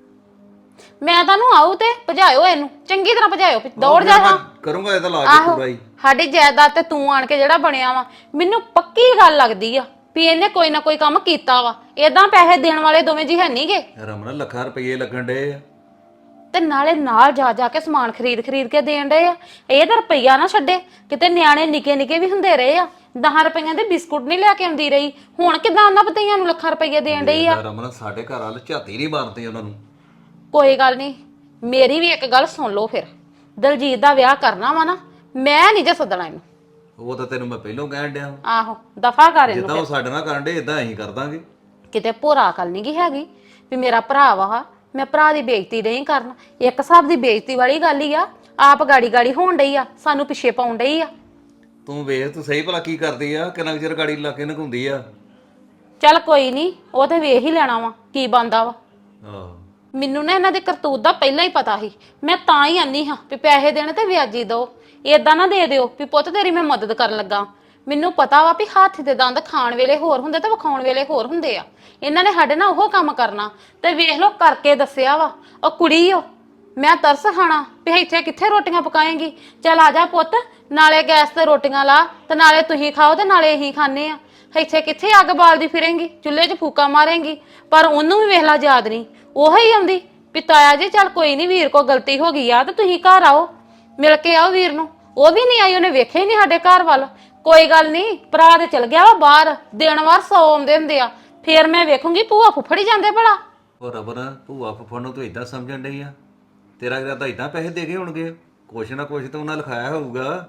S3: ਮੈਂ ਤੁਹਾਨੂੰ ਆਊ ਤੇ ਭਜਾਇਓ ਇਹਨੂੰ, ਚੰਗੀ ਤਰ੍ਹਾਂ ਭਜਾਇਓ, ਦੌੜ ਜਾ ਹਾਂ।
S4: ਕਰੂੰਗਾ ਇਹਦਾ ਲਾ ਕੇ ਪੂਰਾ ਹੀ।
S3: ਸਾਡੀ ਜਾਇਦਾਦ ਤੇ ਤੂੰ ਆਣ ਕੇ ਜਿਹੜਾ ਬਣਿਆ ਵਾ, ਮੈਨੂੰ ਪੱਕੀ ਗੱਲ ਲੱਗਦੀ ਆ ਵੀ ਇਹਨੇ ਕੋਈ ਨਾ ਕੋਈ ਕੰਮ ਕੀਤਾ ਵਾ। ਏਦਾਂ ਪੈਸੇ ਦੇਣ ਵਾਲੇ ਦੋਵੇਂ ਜੀ ਹੈ ਨਹੀਂਗੇ।
S4: ਰਮਨ ਲੱਖਾਂ ਰੁਪਏ ਲੱਗਣ ਡੇ ਆ
S3: ਤੇ ਨਾਲੇ ਨਾਲ ਜਾ ਜਾ ਕੇ ਸਮਾਨ ਖਰੀਦ ਕੇ ਦੇਣ ਡਏ ਆ। ਇਹ ਤਾਂ ਰੁਪਈਆ ਨਾ ਛੱਡੇ, ਕਿਤੇ ਨਿਆਣੇ ਨਿੱਕੇ ਨਿੱਕੇ ਵੀ ਹੁੰਦੇ ਰਹੇ ਆ। 10 ਰੁਪਈਆਂ ਦੇ ਬਿਸਕੁਟ ਨਹੀਂ ਲੈ ਕੇ ਆਉਂਦੀ ਰਹੀ, ਹੁਣ ਕਿਦਾਂ ਉਹਨਾਂ ਭਤੀਆਂ ਨੂੰ ਲੱਖਾਂ ਰੁਪਈਏ ਦੇਣ ਡਈ ਆ।
S4: ਰਮਨ ਸਾਡੇ ਘਰ ਵਾਲ ਝਾਤੀ ਨਹੀਂ ਮਾਰਦੇ ਉਹਨਾਂ ਨੂੰ।
S3: ਕੋਈ ਗੱਲ ਨਹੀਂ, ਮੇਰੀ ਵੀ ਇੱਕ ਗੱਲ ਸੁਣ ਲਓ ਫਿਰ। ਦਲਜੀਤ ਦਾ ਵਿਆਹ ਕਰਨਾ ਵਾ ਨਾ, ਮੈਂ ਨਹੀਂ ਜੇ ਸੱਦਣਾ ਇਹਨੂੰ।
S4: ਉਹ ਤਾਂ ਤੈਨੂੰ ਮੈਂ ਪਹਿਲਾਂ ਕਹਿਣ ਡਿਆ।
S3: ਆਹੋ, ਦਫਾ ਕਰ ਇਹਨੂੰ।
S4: ਜਿੱਦਾਂ ਉਹ ਸਾਡੇ ਨਾਲ ਕਰਨ ਡੇ ਇਦਾਂ ਅਸੀਂ ਕਰ ਦਾਂਗੇ।
S3: ਕਿਤੇ ਭੋਰਾ ਅਕਲ ਨਹੀਂ ਗੀ ਹੈਗੀ ਵੀ ਮੇਰਾ ਭਰਾ ਵਾ, ਮੈਂ ਭਰਾ ਦੀ ਬੇਇੱਜ਼ਤੀ ਨਹੀਂ ਕਰਨਾ। ਇੱਕ ਹਿਸਾਬ ਦੀ ਬੇਇੱਜ਼ਤੀ ਵਾਲੀ ਗੱਲ ਹੀ ਆ। ਆਪ ਗਾੜੀ ਹੋਣ ਡਈ ਆ, ਸਾਨੂੰ ਪਿੱਛੇ ਪਾਉਣ ਡਈ ਆ।
S4: ਤੂੰ ਵੇਖ, ਤੂੰ ਸਹੀ ਭਲਾ ਕੀ ਕਰਦੀ ਆ, ਕਿੰਨਾ ਚਿਰ ਗਾੜੀ ਲਾ ਕੇ ਨਗਾਉਂਦੀ ਆ।
S3: ਚੱਲ ਕੋਈ ਨਹੀਂ, ਉਹ ਤੇ ਵੇਖ ਹੀ ਲੈਣਾ ਵਾ ਕੀ ਬੰਦਾ ਵਾ।
S4: ਆਹ
S3: ਮੈਨੂੰ ਨਾ ਇਹਨਾਂ ਦੇ ਕਰਤੂਤ ਦਾ ਪਹਿਲਾਂ ਹੀ ਪਤਾ ਸੀ। ਮੈਂ ਤਾਂ ਹੀ ਆਨੀ ਹਾਂ ਵੀ ਪੈਸੇ ਦੇਣੇ ਤੇ ਵਿਆਜੀ ਦਿਓ, ਏਦਾਂ ਨਾ ਦੇ ਦਿਓ ਵੀ ਪੁੱਤ ਤੇਰੀ ਮੈਂ ਮਦਦ ਕਰਨ ਲੱਗਾ। ਮੈਨੂੰ ਪਤਾ ਵਾ ਵੀ ਹੱਥ ਦੇ ਦੰਦ ਖਾਣ ਵੇਲੇ ਹੋਰ ਹੁੰਦੇ ਤੇ ਵਿਖਾਉਣ ਵੇਲੇ ਹੋਰ ਹੁੰਦੇ ਆ। ਇਹਨਾਂ ਨੇ ਸਾਡੇ ਨਾਲ ਉਹ ਕੰਮ ਕਰਨਾ ਤੇ ਵੇਖ ਲਓ ਕਰਕੇ ਦੱਸਿਆ ਵਾ। ਉਹ ਕੁੜੀ ਓ, ਮੈਂ ਤਰਸ ਖਾਣਾ ਵੀ ਇੱਥੇ ਕਿੱਥੇ ਰੋਟੀਆਂ ਪਕਾਏਂਗੀ। ਚੱਲ ਆ ਜਾ ਪੁੱਤ, ਨਾਲੇ ਗੈਸ ਤੇ ਰੋਟੀਆਂ ਲਾ ਤੇ ਨਾਲੇ ਤੁਸੀਂ ਖਾਓ ਤੇ ਨਾਲੇ ਅਸੀਂ ਖਾਣੇ ਆ। ਇੱਥੇ ਕਿੱਥੇ ਅੱਗ ਬਾਲਦੀ ਫਿਰੇਂਗੀ, ਚੁੱਲ੍ਹੇ 'ਚ ਫੂਕਾ ਮਾਰੇਂਗੀ। ਪਰ ਉਹਨੂੰ ਵੀ ਵੇਖ ਲਾ ਯਾਦ ਨਹੀਂ, ਉਹ ਹੀ ਆਉਂਦੀ ਵੀ ਤਾਇਆ ਜੀ ਚੱਲ ਕੋਈ ਨਹੀਂ, ਵੀਰ ਕੋ ਗਲਤੀ ਹੋ ਗਈ ਆ ਤੇ ਤੁਸੀਂ ਘਰ ਆਓ, ਮਿਲ ਕੇ ਆਓ ਵੀਰ ਨੂੰ। ਉਹ ਵੀ ਨਹੀਂ ਆਈ, ਉਹਨੇ ਵੇਖਿਆ ਹੀ ਨਹੀਂ ਸਾਡੇ ਘਰ ਵੱਲ। ਕੋਈ ਗੱਲ ਨਹੀਂ, ਭਰਾ ਤੇ ਚਲ ਗਿਆ ਵਾ ਬਾਹਰ, ਦਿਨ ਵਾਰ 100 ਆਉਂਦੇ ਹੁੰਦੇ ਆ। ਫੇਰ ਮੈਂ ਵੇਖੂੰਗੀ ਭੂਆ ਫੁੱਫੜੀ ਜਾਂਦੇ ਭਲਾ।
S4: ਉਹ ਰਬਨ, ਭੂਆ ਫੁੱਫੜ ਨੂੰ ਤੂੰ ਇਦਾਂ ਸਮਝਣ ਡਈ ਆ? ਤੇਰਾ ਇਰਾਦਾ ਇਦਾਂ ਪੈਸੇ ਦੇ ਕੇ ਹੋਣਗੇ? ਕੁਛ ਨਾ ਕੁਛ ਤਾਂ ਉਹਨਾਂ ਲਿਖਾਇਆ ਹੋਊਗਾ।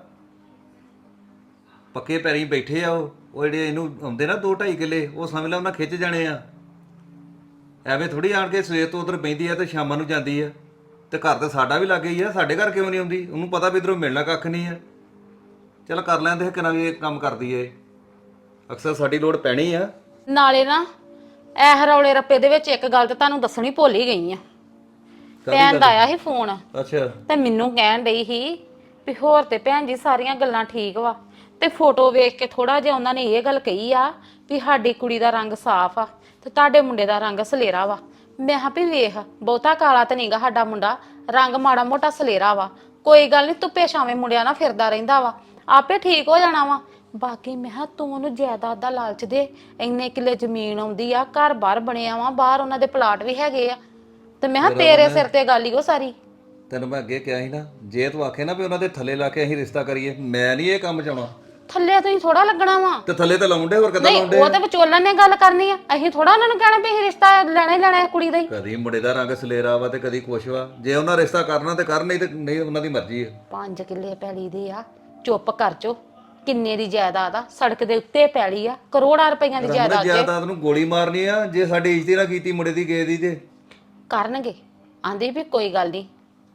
S4: ਪੱਕੇ ਪੈਰੀਂ ਬੈਠੇ ਆ ਉਹ ਜਿਹੜੇ ਇਹਨੂੰ ਆਉਂਦੇ ਨਾ 2-2.5 ਕਿੱਲੇ, ਉਹ ਸਮਝ ਲਾ ਉਹਨਾਂ ਖਿੱਚ ਜਾਣੇ ਆ। ਐਵੇਂ ਥੋੜੀ ਆਣ ਕੇ ਸਵੇਰ ਤੋਂ ਉਧਰ ਬੈਂਦੀ ਆ ਤੇ ਸ਼ਾਮਾਂ ਨੂੰ ਜਾਂਦੀ ਆ। ਤੇ ਘਰ ਤਾਂ ਸਾਡਾ ਵੀ ਲੱਗੇ ਹੀ ਆ, ਸਾਡੇ ਘਰ ਕਿਉਂ ਨਹੀਂ ਆਉਂਦੀ? ਉਹਨੂੰ ਪਤਾ ਵੀ ਇੱਧਰੋਂ ਮਿਲਣਾ ਕੱਖ ਨਹੀਂ ਆ। ਚੱਲ ਕਰ ਲੈਂਦੇ, ਕਿੰਨਾ ਵੀ ਇਹ ਕੰਮ ਕਰਦੀ ਏ, ਅਕਸਰ ਸਾਡੀ ਲੋੜ ਪੈਣੀ ਆ।
S3: ਨਾਲੇ ਨਾ ਇਹ ਰੌਲੇ ਰੱਪੇ ਦੇ ਵਿੱਚ ਇੱਕ ਗੱਲ ਤਾਂ ਤੁਹਾਨੂੰ ਦੱਸਣੀ ਭੁੱਲ ਹੀ ਗਈ ਆ। ਭੈਣ ਦਾ ਆਇਆ ਸੀ ਫੋਨ
S4: ਅੱਛਾ।
S3: ਤੇ ਮੈਨੂੰ ਕਹਿਣ ਡਈ ਸੀ ਵੀ ਹੋਰ ਤੇ ਭੈਣ ਜੀ ਸਾਰੀਆਂ ਗੱਲਾਂ ਠੀਕ ਵਾ, ਤੇ ਫੋਟੋ ਵੇਖ ਕੇ ਥੋੜਾ ਜਿਹਾ ਉਹਨਾਂ ਨੇ ਇਹ ਗੱਲ ਕਹੀ ਆ ਵੀ ਸਾਡੀ ਕੁੜੀ ਦਾ ਰੰਗ ਸਾਫ਼ ਆ ਤੇ ਤੁਹਾਡੇ ਮੁੰਡੇ ਦਾ ਰੰਗ ਸਲੇਰਾ ਵਾ। ਮੈਂ ਕਿਹਾ ਵੀ ਵੇਖ, ਬਹੁਤਾ ਕਾਲਾ ਤਾਂ ਨਹੀਂਗਾ ਸਾਡਾ ਮੁੰਡਾ, ਰੰਗ ਮਾੜਾ ਮੋਟਾ ਸਲੇਰਾ ਵਾ। ਕੋਈ ਗੱਲ ਨਹੀਂ, ਧੁੱਪੇ ਛਾਵੇਂ ਮੁੰਡਿਆਂ ਨਾਲ ਫਿਰਦਾ ਰਹਿੰਦਾ ਵਾ, ਆਪੇ ਠੀਕ ਹੋ ਜਾਣਾ ਵਾ। ਬਾਕੀ ਮੈਂ ਕਿਹਾ ਤੂੰ ਉਹਨੂੰ ਜਾਇਦਾਦ ਦਾ ਲਾਲਚ ਦੇ, ਇੰਨੇ ਕਿੱਲੇ ਜ਼ਮੀਨ ਆਉਂਦੀ ਆ, ਘਰ ਬਾਹਰ ਬਣਿਆ ਵਾ, ਬਾਹਰ ਉਹਨਾਂ ਦੇ ਪਲਾਟ ਵੀ ਹੈਗੇ ਆ। ਤੇ ਮੈਂ ਕਿਹਾ ਤੇਰੇ ਸਿਰ ਤੇ ਗੱਲ ਹੀ ਉਹ ਸਾਰੀ।
S4: ਤੈਨੂੰ ਮੈਂ ਅੱਗੇ ਕਿਹਾ ਸੀ ਨਾ, ਜੇ ਤੂੰ ਆਖੇ ਨਾ ਵੀ ਉਹਨਾਂ ਦੇ ਥੱਲੇ ਲਾ ਕੇ ਅਸੀਂ ਰਿਸ਼ਤਾ ਕਰੀਏ, ਮੈਂ ਨਹੀਂ ਇਹ ਕੰਮ ਚਾਉਣਾ।
S3: ਥੱਲੇ ਤੁਸੀਂ ਥੋੜਾ ਲੱਗਣਾ ਵਾ।
S4: ਤੇ ਥੱਲੇ ਤਾਂ ਲਾਉਂਦੇ, ਹੋਰ ਕਿੱਦਾਂ
S3: ਨਹੀਂ,
S4: ਲਾਉਂਦੇ?
S3: ਉਹ ਤੇ ਵਿਚੋਲਨ ਨੇ ਗੱਲ ਕਰਨੀ ਆ, ਅਸੀਂ ਥੋੜਾ ਉਹਨਾਂ ਨੂੰ ਕਹਿਣਾ ਵੀ ਅਸੀਂ ਰਿਸ਼ਤਾ ਲੈਣਾ ਹੀ ਲੈਣਾ ਹੈ ਕੁੜੀ ਦਾ ਹੀ।
S4: ਕਦੀ ਮੁੰਡੇ ਦਾ ਰੰਗ ਸਲੇਰਾ ਵਾ ਤੇ ਕਦੀ ਕੁਛ ਵਾ। ਜੇ ਉਹਨਾਂ ਰਿਸ਼ਤਾ ਕਰਨਾ ਤੇ ਕਰ, ਨਹੀਂ ਤੇ ਨਹੀਂ, ਉਹਨਾਂ ਦੀ ਮਰਜ਼ੀ ਹੈ।
S3: 5 ਕਿੱਲੇ ਪੈਲੀ ਦੇ ਆ, ਚੁੱਪ ਕਰ ਚੋ। ਕਿੰਨੇ ਦੀ ਜਾਇਦਾਦ ਆ, ਸੜਕ ਦੇ ਉੱਤੇ ਪੈਲੀ ਆ, ਕਰੋੜਾਂ ਰੁਪਈਆਂ ਦੀ ਜਾਇਦਾਦ ਜੇ।
S4: ਜਾਇਦਾਦ ਨੂੰ ਗੋਲੀ ਮਾਰਨੀ ਆ ਜੇ ਸਾਡੀ ਇੱਜ਼ਤ ਨਾ ਕੀਤੀ ਮੁੰਡੇ ਦੀ ਗਏ ਦੀ ਤੇ
S3: ਕਰਨਗੇ। ਆਂਦੀ ਵੀ ਕੋਈ ਗੱਲ ਨਹੀਂ,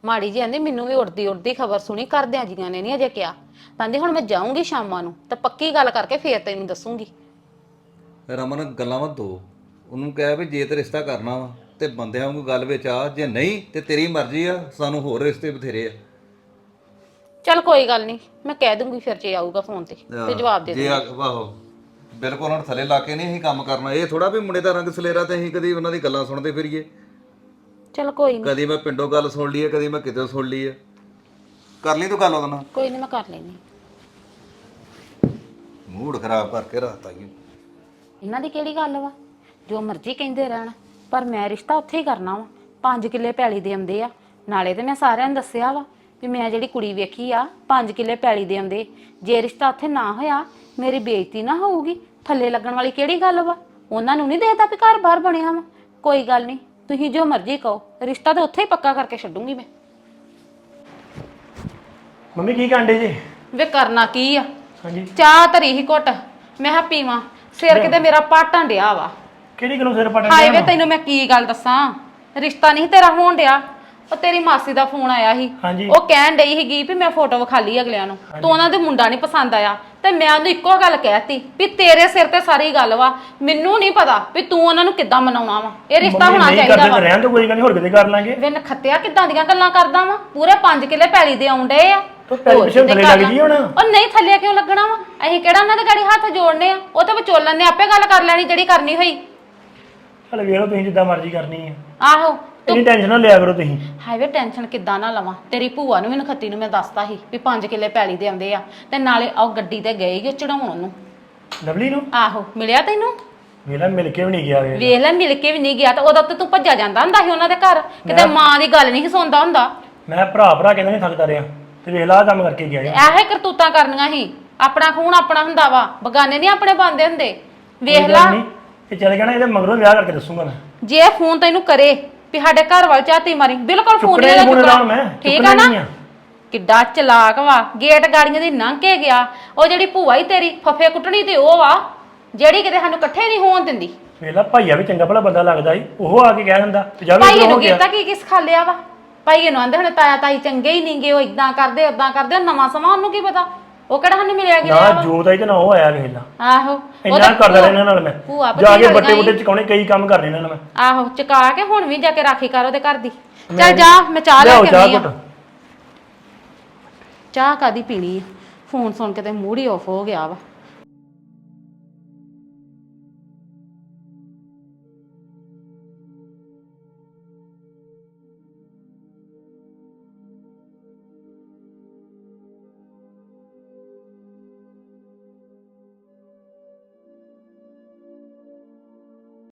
S3: ਮਾੜੀ ਜੀ ਆਂਦੀ ਮੈਨੂੰ ਵੀ ਉੜਦੀ ਖਬਰ ਸੁਣੀ ਕਰਦਿਆਂ ਜੀਆਂ ਨੇ ਨਹੀਂ ਅਜੇ ਕਿਹਾ। ਕਹਿੰਦੀ ਹੁਣ ਮੈਂ ਜਾਊਂਗੀ ਸ਼ਾਮਾਂ ਨੂੰ ਤੇ ਪੱਕੀ ਗੱਲ ਕਰਕੇ ਫੇਰ ਤੈਨੂੰ ਦੱਸੂਗੀ।
S4: ਰਮਨ ਗੱਲਾਂ ਵਾ ਦੋ, ਉਹਨੂੰ ਕਹਿ ਵੀ ਜੇ ਤੇ ਰਿਸ਼ਤਾ ਕਰਨਾ ਵਾ ਤੇ ਬੰਦਿਆਂ ਵਾਂਗੂ ਗੱਲ ਵਿੱਚ ਆ, ਜੇ ਨਹੀਂ ਤੇ ਤੇਰੀ ਮਰਜ਼ੀ ਆ, ਸਾਨੂੰ ਹੋਰ ਰਿਸ਼ਤੇ ਬਥੇਰੇ ਆ।
S3: ਚੱਲ ਕੋਈ ਗੱਲ ਨਹੀਂ, ਮੈਂ ਕਹਿ ਦੂੰਗੀ ਫਿਰ ਜੇ ਆਊਗਾ ਫੋਨ ਤੇ ਜਵਾਬ ਦੇ
S4: ਜੇ ਆਹੋ ਬਿਲਕੁਲ ਹੁਣ ਥੱਲੇ ਲਾ ਕੇ ਨਹੀਂ ਅਸੀਂ ਕੰਮ ਕਰਨਾ। ਇਹ ਥੋੜਾ ਵੀ ਮੁੰਡੇ ਦਾ ਰੰਗ ਸਲੇਰਾ ਤੇ ਅਸੀਂ ਕਦੀ ਉਹਨਾਂ ਦੀ ਗੱਲਾਂ ਸੁਣਦੇ ਫਿਰੀਏ।
S3: ਚੱਲ ਕੋਈ ਨਹੀਂ,
S4: ਕਦੀ ਮੈਂ ਪਿੰਡੋਂ ਗੱਲ ਸੁਣ ਲਈ ਹੈ, ਕਦੀ ਮੈਂ ਕਿਤੇ ਸੁਣ ਲਈ ਹੈ। ਕਰ ਲਈ ਤੂੰ ਗੱਲ ਉਹਦੇ ਨਾਲ।
S3: ਕੋਈ ਨਹੀਂ ਮੈਂ ਕਰ ਲੈਣੀ।
S4: ਮੂਡ ਖਰਾਬ ਕਰਕੇ ਰੱਖਤਾ ਜੀ।
S3: ਇਹਨਾਂ ਦੀ ਕਿਹੜੀ ਗੱਲ ਵਾ, ਜੋ ਮਰਜ਼ੀ ਕਹਿੰਦੇ ਰਹਿਣ, ਪਰ ਮੈਂ ਰਿਸ਼ਤਾ ਉੱਥੇ ਹੀ ਕਰਨਾ ਵਾ। 5 ਕਿੱਲੇ ਪੈਲੀ ਦੇ ਆਉਂਦੇ ਆ, ਨਾਲੇ ਤੇ ਮੈਂ ਸਾਰਿਆਂ ਨੂੰ ਦੱਸਿਆ ਵਾ ਵੀ ਮੈਂ ਜਿਹੜੀ ਕੁੜੀ ਵੇਖੀ ਆ 5 ਕਿੱਲੇ ਪੈਲੀ ਦੇ ਆਉਂਦੇ। ਜੇ ਰਿਸ਼ਤਾ ਉੱਥੇ ਨਾ ਹੋਇਆ ਮੇਰੀ ਬੇਇੱਜ਼ਤੀ ਨਾ ਹੋਊਗੀ। ਥੱਲੇ ਲੱਗਣ ਵਾਲੀ ਕਿਹੜੀ ਗੱਲ ਵਾ, ਉਹਨਾਂ ਨੂੰ ਨਹੀਂ ਦੇਖਦਾ ਵੀ ਘਰ ਬਾਹਰ ਬਣਿਆ ਵਾ। ਕੋਈ ਗੱਲ ਨਹੀਂ, ਤੁਸੀਂ ਜੋ ਮਰਜ਼ੀ ਕਹੋ, ਰਿਸ਼ਤਾ ਤਾਂ ਉੱਥੇ ਹੀ ਪੱਕਾ ਕਰਕੇ ਛੱਡੂੰਗੀ ਮੈਂ।
S6: ਮੰਮੀ ਕੀ ਕਾਂਡੇ ਜੀ?
S3: ਵੇ ਕਰਨਾ ਕੀ ਆ,
S6: ਹਾਂਜੀ
S3: ਚਾਹ ਧਰੀ ਹੀ ਘੁੱਟ, ਮੈਂ ਕਿਹਾ ਪੀਵਾਂ। ਸਿਰ ਕਿਤੇ ਮੇਰਾ ਪਾਟਾਂ ਡਿਆ ਵਾ।
S6: ਕਿਹੜੀ ਗੱਲੋਂ ਸਿਰ ਪਟਣ
S3: ਹਾਏ ਵੇ ਤੈਨੂੰ ਮੈਂ ਕੀ ਗੱਲ ਦੱਸਾਂ, ਰਿਸ਼ਤਾ ਨਹੀਂ ਤੇਰਾ ਹੋਣ ਡਿਆ। ਉਹ ਤੇਰੀ ਮਾਸੀ ਦਾ ਫੋਨ ਆਇਆ ਸੀ,
S6: ਹਾਂਜੀ।
S3: ਉਹ ਕਹਿਣ ਡਈ ਸੀਗੀ ਵੀ ਮੈਂ ਫੋਟੋ ਵਿਖਾਲੀ ਅਗਲਿਆਂ ਨੂੰ, ਤੂੰ ਉਹਨਾਂ ਦੇ ਮੁੰਡਾ ਨਹੀਂ ਪਸੰਦ ਆਇਆ। ਤੇ ਮੈਂ ਉਹਨੂੰ ਇੱਕੋ ਗੱਲ ਕਹਿਤੀ ਵੀ ਤੇਰੇ ਸਿਰ ਤੇ ਸਾਰੀ ਗੱਲ ਵਾ, ਮੈਨੂੰ ਨਹੀਂ ਪਤਾ ਵੀ ਤੂੰ ਉਹਨਾਂ ਨੂੰ ਕਿੱਦਾਂ ਮਨਾਉਣਾ ਵਾ। ਇਹ ਰਿਸ਼ਤਾ ਹੋਣਾ ਚਾਹੀਦਾ ਵਾ।
S6: ਰਹਿਣ ਤੋਂ ਕੋਈ ਗੱਲ ਨਹੀਂ, ਹੋਰ ਕਿਤੇ ਕਰ ਲਾਂਗੇ।
S3: ਵੇ ਨਖੱਤਿਆ ਕਿੱਦਾਂ ਦੀਆਂ ਗੱਲਾਂ ਕਰਦਾ ਵਾ, ਪੂਰੇ 5 ਕਿੱਲੇ ਪੈਲੀ ਦੇ ਆਉਂਦੇ ਆ।
S6: ਤੂੰ ਪੈਲੀ ਪਿੱਛੇ ਥੱਲੇ ਲੱਗ ਗਈ ਹੁਣ।
S3: ਉਹ ਨਹੀਂ ਥੱਲੇ ਕਿਉਂ ਲੱਗਣਾ ਵਾ, ਅਸੀਂ ਕਿਹੜਾ ਉਹਨਾਂ ਦੇ ਗਾੜੀ ਹੱਥ ਜੋੜਨੇ ਆ। ਉਹ ਤਾਂ ਵਿਚੋਲਣ ਨੇ ਆਪੇ ਗੱਲ ਕਰ ਲੈਣੀ ਜਿਹੜੀ ਕਰਨੀ ਹੋਈ।
S6: ਚਲ ਵੇਖ ਲਓ ਤੁਸੀਂ ਜਿੱਦਾਂ ਮਰਜ਼ੀ ਕਰਨੀ ਹੈ।
S3: ਆਹੋ
S6: ਇੰਨੀ ਟੈਨਸ਼ਨ ਨਾ ਲਿਆ ਕਰੋ ਤੁਸੀਂ।
S3: ਹਾਈਵੇ ਟੈਨਸ਼ਨ ਕਿੱਦਾਂ ਨਾ ਲਵਾਂ, ਤੇਰੀ ਭੂਆ ਨੂੰ ਵੀ ਨਖੱਤੀ ਨੂੰ ਮੈਂ ਦੱਸਤਾ ਸੀ ਵੀ 5 ਕਿੱਲੇ ਪੈਲੀ ਦੇ ਆਉਂਦੇ ਆ। ਤੇ ਨਾਲੇ ਉਹ ਗੱਡੀ ਤੇ ਗਏ ਹੀ ਚੜਾਉਣ ਉਹਨੂੰ।
S6: ਲਵਲੀ ਨੂੰ
S3: ਆਹੋ ਮਿਲਿਆ ਤੈਨੂੰ?
S6: ਵੇਲਾ ਮਿਲ ਕੇ ਵੀ ਨਹੀਂ ਗਿਆ ਵੇ।
S3: ਵੇਖ ਲੈ ਮਿਲ ਕੇ ਵੀ ਨਹੀਂ ਗਿਆ ਤੇ ਉਦੋਂ ਤੇ ਤੂੰ ਭੱਜਾ ਜਾਂਦਾ ਹੁੰਦਾ ਸੀ ਉਹਨਾਂ ਦੇ ਘਰ, ਕਿਤੇ ਮਾਂ ਦੀ ਗੱਲ ਨਹੀਂ ਸੁਣਦਾ ਹੁੰਦਾ।
S6: ਮੈਂ ਭਰਾ ਕਹਿੰਦਾ ਨਹੀਂ ਥੱਕਦਾ ਰਿਹਾ ਤੇ ਵੇਖ ਲਾ ਕੰਮ ਕਰਕੇ ਗਿਆ ਜੀ।
S3: ਇਹੋ ਕਰਤੂਤਾਂ ਕਰਨੀਆਂ ਸੀ। ਆਪਣਾ ਖੂਨ ਆਪਣਾ ਹੁੰਦਾ ਵਾ, ਬਗਾਨੇ ਨਹੀਂ ਆਪਣੇ ਬੰਦੇ ਹੁੰਦੇ। ਵੇਖ ਲਾ
S6: ਇਹ ਚੱਲ ਗਿਆ ਨਾ, ਇਹਦੇ ਮਗਰੋਂ ਵਿਆਹ ਕਰਕੇ ਦੱਸੂਗਾ ਮੈਂ।
S3: ਜੇ ਫੋਨ ਤੈਨੂੰ ਕਰੇ ਵੀ ਸਾਡੇ ਘਰ ਵਾਲ ਝਾਤੀ ਮਾਰੀ, ਬਿਲਕੁਲ ਫੋਨ
S6: ਚੁੱਕਣੇ
S3: ਨਹੀਂ
S6: ਫੋਨ
S3: ਚੁੱਕਣਾ।
S6: ਮੈਂ
S3: ਠੀਕ ਆ ਨਾ? ਕਿੱਡਾ ਚਲਾਕ ਵਾ, ਗੇਟ ਗਾੜੀਆਂ ਦੀ ਲੰਘ ਕੇ ਗਿਆ। ਉਹ ਜਿਹੜੀ ਭੂਆ ਹੀ ਤੇਰੀ ਫੱਫੇ ਕੁੱਟਣੀ ਤੇ ਉਹ ਵਾ ਜਿਹੜੀ ਕਿਤੇ ਸਾਨੂੰ ਇਕੱਠੇ ਨਹੀਂ ਹੋਣ ਦਿੰਦੀ।
S6: ਵੇਖ ਲਾ ਭਾਈਆ ਵੀ ਚੰਗਾ ਭਲਾ ਬੰਦਾ ਲੱਗਦਾ ਸੀ, ਉਹ ਆ ਕੇ ਕਹਿ ਦਿੰਦਾ ਤੇ ਜਾ
S3: ਭਾਈ
S6: ਵੀ
S3: ਨੂੰ ਕੀਤਾ ਕੀ ਕਿਸ ਖਾਲਿਆ ਵਾ। ਭਾਈ ਨੂੰ ਆਂਦੇ ਹੁਣ ਤਾਇਆ ਤਾਈ ਚੰਗੇ ਹੀ ਨਹੀਂਗੇ, ਉਹ ਇਦਾਂ ਕਰਦੇ ਉਦਾਂ ਕਰਦੇ। ਨਵਾਂ ਸਮਾਂ ਉਹਨੂੰ ਕੀ ਪਤਾ, ਉਹ ਕਿਹੜਾ ਸਾਨੂੰ ਮਿਲਿਆ ਗਿਆ
S6: ਨਾ ਜੋਤ ਆਈ ਤੇ ਨਾ ਉਹ ਆਇਆ ਵੇਖ ਲਾ।
S3: ਆਹੋ
S6: ਇੰਨਾ ਕਰਦਾ ਰਿਹਾ ਇਹਨਾਂ ਨਾਲ ਮੈਂ,
S3: ਭੂਆ
S6: ਜਾ ਕੇ ਬੱਟੇ ਬੁੱਟੇ ਚਕਾਉਣੇ, ਕਈ ਕੰਮ ਕਰਨੇ ਇਹਨਾਂ ਨਾਲ ਮੈਂ।
S3: ਆਹੋ ਚਕਾ ਕੇ ਹੁਣ ਵੀ ਜਾ ਕੇ ਰਾਖੀ ਕਰ ਉਹਦੇ ਘਰ ਦੀ। ਚੱਲ ਜਾ, ਮੈਂ ਚਾਹ ਲੈ ਕੇ ਆਉਂਦੀ ਆ। ਚਾਹ ਕਾਦੀ ਪੀਣੀ ਆ, ਫੋਨ ਸੁਣ ਕੇ ਤੇ ਮੂਡ ਹੀ ਆਫ ਹੋ ਗਿਆ ਵਾ।